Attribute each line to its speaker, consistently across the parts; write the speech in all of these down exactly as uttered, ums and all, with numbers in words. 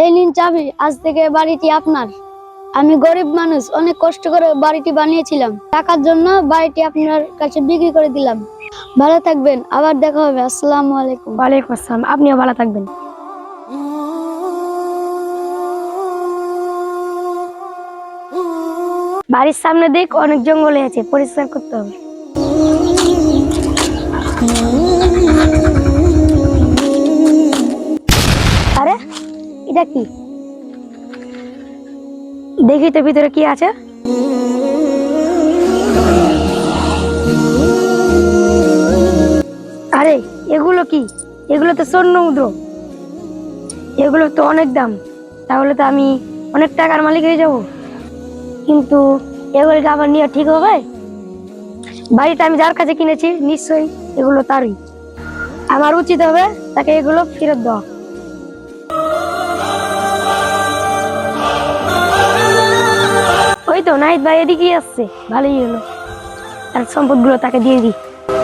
Speaker 1: এই নিন চাবি, আজ থেকে বাড়িটি আপনার। আমি গরিব মানুষ, অনেক কষ্ট করে বাড়িটি বানিয়েছিলাম, টাকার জন্য বাড়িটি আপনার কাছে বিক্রি করে দিলাম। ভালো থাকবেন, আবার দেখা হবে। আসসালামু আলাইকুম।
Speaker 2: ওয়ালাইকুম আসসালাম। আপনিও ভালো থাকবেন। বাড়ির সামনে দেখ অনেক জঙ্গল আছে, পরিষ্কার করতে হবে। আরে এটা কি? দেখি তো ভিতরে কি আছে। আরে এগুলো কি? এগুলো তো স্বর্ণ মুদ্রা। এগুলো তো অনেক দাম, তাহলে তো আমি অনেক টাকার মালিক হয়ে যাব। কিন্তু এগুলোকে আবার নিয়ে ঠিক হবে? বাড়িটা আমি যার কাছে কিনেছি নিশ্চয়ই এগুলো তারই। আমার উচিত হবে তাকে এগুলো ফেরত দেওয়া। ওই তো নাহিদ ভাই এদিকেই আসছে, ভালোই হলো। তার সম্পদগুলো তাকে দিয়ে দিই।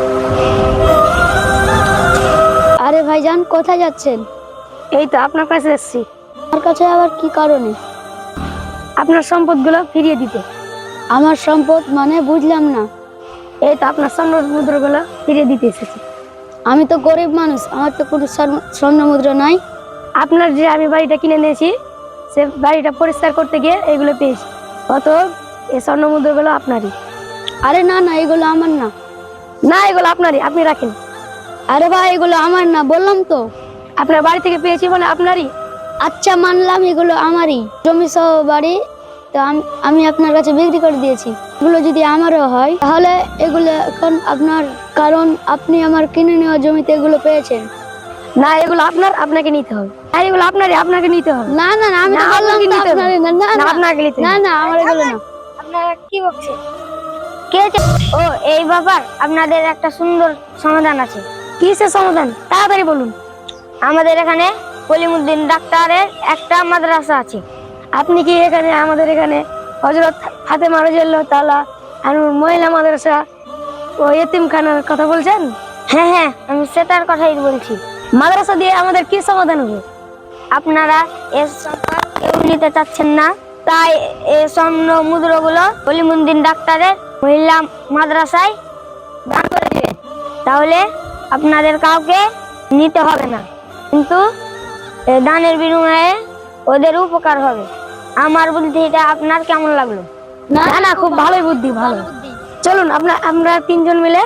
Speaker 1: আরে ভাইজান, কোথায় যাচ্ছেন?
Speaker 2: এই তো আপনার কাছে এসেছি,
Speaker 1: আমার কাছে আবার কি কারণে?
Speaker 2: আপনার সম্পদগুলো ফিরিয়ে দিতে।
Speaker 1: আমার সম্পদ মানে বুঝলাম না।
Speaker 2: এই তো আপনার স্বর্ণ মুদ্রাগুলো ফিরিয়ে দিতে এসেছি।
Speaker 1: আমি তো গরিব মানুষ, আমার তো কোনো স্বর্ণ- স্বর্ণ মুদ্রা নাই।
Speaker 2: আপনার যে আমি বাড়িটা কিনে নিয়েছি, সে বাড়িটা পরিষ্কার করতে গিয়ে এগুলো পেয়েছি। অত এই স্বর্ণ মুদ্রাগুলো আপনারই।
Speaker 1: আরে না না, এগুলো আমার না।
Speaker 2: না, এগুলো আপনারই, আপনি রাখেন।
Speaker 1: আরে ভাই, এগুলো আমার না, বললাম তো।
Speaker 2: আপনার বাড়ি থেকে পেয়েছি মানে আপনারই।
Speaker 1: আচ্ছা মানলাম, এগুলো আমারই, জমি সহ বাড়ি। তো আম- আমি আপনার কাছে বিক্রি করে দিয়েছি। এগুলো যদি আমারও হয় তাহলে এগুলো এখন আপনার, কারণ আপনি আমার কিনে নেওয়া জমিতে এগুলো পেয়েছেন।
Speaker 2: না, এগুলো আপনার, আপনাকে নিতে হবে। আর এগুলো আপনারই, আপনাকে নিতে হবে।
Speaker 1: না না না, আমি তো
Speaker 2: না,
Speaker 1: বললাম
Speaker 2: আপনাকে
Speaker 1: তো
Speaker 2: নিতে হবে।
Speaker 1: আপনারই না। না
Speaker 2: না,
Speaker 1: না
Speaker 2: আপনাকে নিতে
Speaker 1: না
Speaker 2: হবে।
Speaker 1: না, আমার এগুলো না।
Speaker 2: আপনারা কি বলছেন? কে আছে? ও এই ব্যাপার, আপনাদের একটা সুন্দর সমাধান আছে। কিসের সমাধান? তাড়াতাড়ি বলুন। আমাদের এখানে কলিমুদ্দিন ডাক্তারের একটা মাদ্রাসা আছে। আপনি কি এখানে আমাদের এখানে হযরত ফাতেমা রাদিয়াল্লাহু তাআলা আর মহিলা মাদ্রাসা ও এতিমখানার কথা বলছেন? হ্যাঁ হ্যাঁ, আমি সেটার কথাই বলছি। মাদ্রাসা দিয়ে আমাদের কি সমাধান হবে? আপনারা এর সম্পদ কেউ নিতে চাচ্ছেন না, তাই এই স্বর্ণ মুদ্রাগুলো কলিমুদ্দিন ডাক্তারের মহিলা মাদ্রাসায় দান করে দিবেন। তাহলে আপনাদের কাউকে নিতে হবে না, কিন্তু এই দানের বিনিময়ে ওদের উপকার হবে। আমার বুদ্ধিটা আপনার কেমন লাগলো? না না, খুব ভালোই বুদ্ধি, ভালো। চলুন আপনার আমরা তিনজন মিলে